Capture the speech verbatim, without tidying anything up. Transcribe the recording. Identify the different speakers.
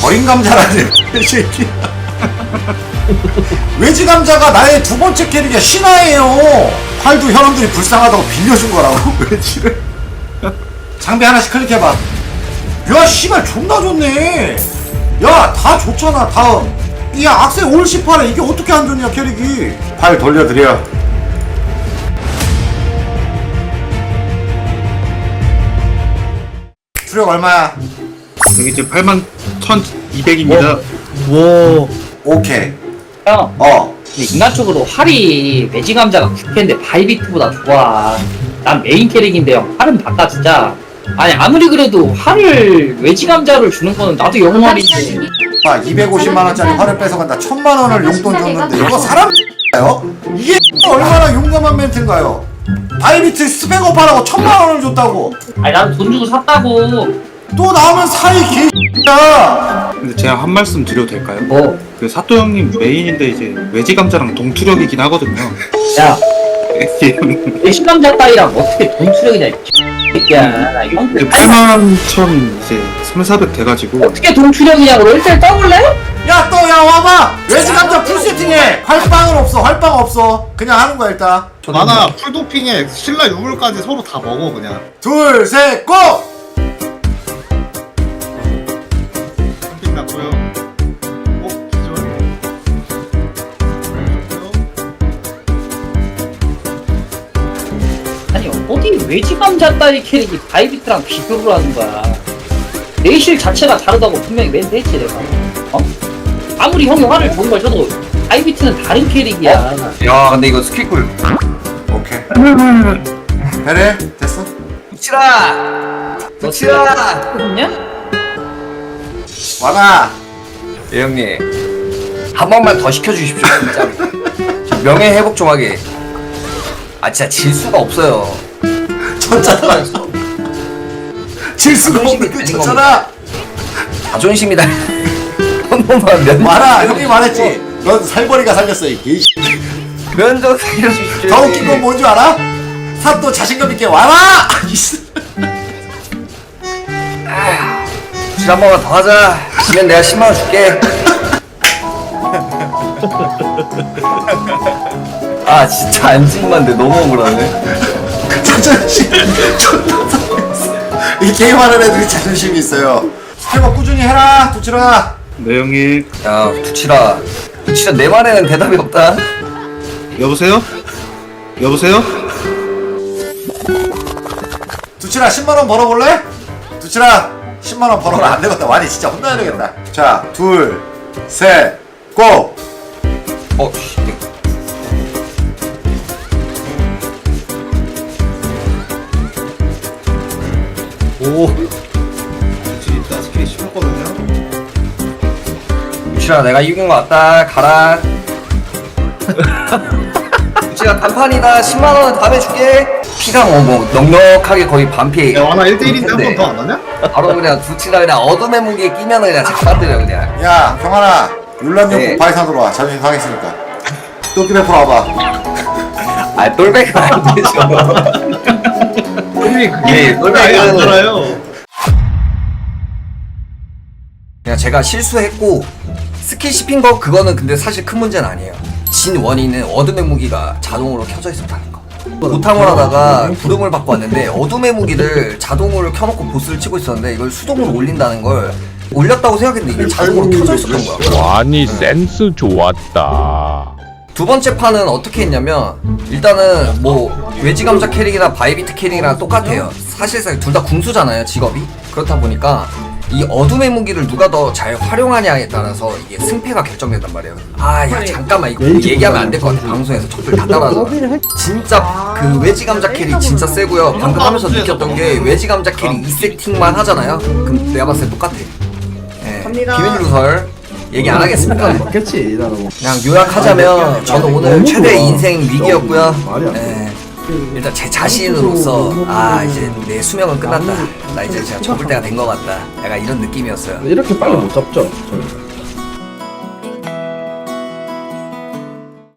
Speaker 1: 버린 감자라는 새끼야. 외지 감자가 나의 두 번째 캐릭이야. 신화예요. 활도 현원들이 불쌍하다고 빌려준 거라고. 외지를. 장비 하나씩 클릭해봐. 야 씨발 존나 좋네. 야 다 좋잖아. 다음 야 악세 올 십팔에 이게 어떻게 안 좋냐 캐릭이. 팔 돌려드려. 수력 얼마야?
Speaker 2: 여기 지금 팔만 천이백입니다.
Speaker 3: 와.
Speaker 1: 오케이.
Speaker 4: 형,
Speaker 1: 어.
Speaker 4: 근데 인간적으로 활이 매지 감자가 국회인데 바이비트보다 좋아. 난 메인 캐릭인데 형, 활은 바꿔 진짜. 아니 아무리 그래도 활을 외지 감자를 주는 거는 나도 영웅활인데.
Speaker 1: 아 이백오십만 원짜리 활을 뺏어간다. 천만 원을 용돈 줬는데 이거 사람인가요? 이게 얼마나 용감한 멘트인가요? 바이비트 스펙업 하라고 천만 원을 줬다고.
Speaker 4: 아니 난 돈 주고 샀다고.
Speaker 1: 또 나오면 사이 개X야.
Speaker 2: 근데 제가 한 말씀 드려도 될까요?
Speaker 4: 뭐?
Speaker 2: 그 사또 형님 메인인데 이제 외지 감자랑 동투력이긴 하거든요.
Speaker 4: 야,
Speaker 2: 예,
Speaker 4: 외지 감자 따위랑 어떻게 돈 추력이냐 이 새끼야. 나 형,
Speaker 2: 그 팔만 천 이제 삼사백 돼가지고
Speaker 4: 어떻게 돈 추력이냐고 일단 떠볼래?
Speaker 1: 야 또 야 와봐. 외지 감자 풀 세팅해. 활빵은 없어. 활빵 없어. 그냥 하는 거야 일단.
Speaker 3: 만화 풀도핑에 신라 유물까지 서로 다 먹어 그냥.
Speaker 1: 둘 셋 고.
Speaker 3: 핑 났고요. 어 기절.
Speaker 4: 아니 어디 외지 감자 따위 캐릭이 바이비트랑 비교를 하는 거야. 내실 자체가 다르다고 분명히 멘트 했지 내가. 어? 아무리 형이 활을 좋은 걸 줘도 바이비트는 다른 캐릭이야.
Speaker 5: 야 근데 이거 스킬꿀
Speaker 1: 오케이. 그래 됐어.
Speaker 5: 붙이라
Speaker 4: 너
Speaker 5: 붙이라
Speaker 4: 했냐?
Speaker 1: 와봐.
Speaker 5: 예 형님 한 번만 더 시켜주십시오 진짜 명예 회복 좀 하게. 아 진짜 질 수가 없어요.
Speaker 1: 졌잖아. 질 수가 없는데 졌잖아.
Speaker 5: 자존심이다. 한 번만 면
Speaker 1: 말아. 형이 말했지. 넌 살벌이가 살렸어 이 개.
Speaker 5: 면접 살려주십시오.
Speaker 1: 더 웃긴 건 뭔지 알아? 사또 자신감 있게 와라.
Speaker 5: 질 한 번만 더 하자. 지면 내가 십만 원 줄게. 아 진짜 안진만데 너무 억울하네.
Speaker 1: 자존심 존나 상했어. 이 게임하는 애들이 자존심이 있어요. 스펙업 꾸준히 해라 두치라.
Speaker 2: 네 형님.
Speaker 5: 야 두치라 두치라 내 말에는 대답이 없다.
Speaker 2: 여보세요? 여보세요?
Speaker 1: 두치라 십만 원 벌어볼래? 두치라 십만 원 벌어라. 안 되겠다. 와니 진짜 혼나야 되겠다. 자 둘 셋 고.
Speaker 5: 어 씨.
Speaker 3: 오. 진짜 스킬이 심했거든요.
Speaker 5: 두치라 내가 이긴 거 같다. 가라. 두치라 단판이다. 십만 원 다음에 줄게. 피가 뭐, 뭐 넉넉하게 거의 반피.
Speaker 3: 야 만화 일 대일인데 한 번 더 안 하냐?
Speaker 5: 바로 그냥 두치라 그냥 어둠의 무기에 끼면 그냥 잡아들여 그냥.
Speaker 1: 야 경환아 율란용
Speaker 5: 네.
Speaker 1: 바이산으로 와. 자존심 상했으니까. 또끼 베풀어 와봐.
Speaker 5: 아 똘백은 안 되죠.
Speaker 3: 형님 그게
Speaker 5: 예,
Speaker 3: 똘백이 안
Speaker 5: 똘백은
Speaker 3: 살아요.
Speaker 5: 그냥 제가 실수했고 스킬 씹힌 거 그거는 근데 사실 큰 문제는 아니에요. 진 원인은 어둠의 무기가 자동으로 켜져 있었다는 거. 고탕을 하다가 부름을 받고 왔는데 어둠의 무기를 자동으로 켜놓고 보스를 치고 있었는데 이걸 수동으로 올린다는 걸 올렸다고 생각했는데 이게 자동으로 켜져 있었던 거야.
Speaker 6: 아니 센스 좋았다.
Speaker 5: 두 번째 판은 어떻게 했냐면 일단은 뭐 외지 감자 캐릭이나 바이비트 캐릭이랑 똑같아요. 사실상 둘 다 궁수잖아요 직업이. 그렇다 보니까 이 어둠의 무기를 누가 더 잘 활용하냐에 따라서 이게 승패가 결정된단 말이에요. 아 야 잠깐만 이거 얘기하면 안 될 것 같아. 방송에서 적들 다 따라하잖아. 진짜 그 외지 감자 캐릭 진짜 세고요. 방금 하면서 느꼈던 게 외지 감자 캐릭 이 세팅만 하잖아요. 그럼 내가 봤을 때 똑같아. 예, 비밀 누설 얘기 안 하겠습니다.
Speaker 7: 맞겠지 나는.
Speaker 5: 그냥 요약하자면 저는 오늘 최대 인생 위기였고요. 예, 일단 제 자신으로서 아 이제 내 수명은 끝났다. 나 이제 제가 접을 때가 된 것 같다. 약간 이런 느낌이었어요.
Speaker 7: 이렇게 빨리 못 잡죠. 저는.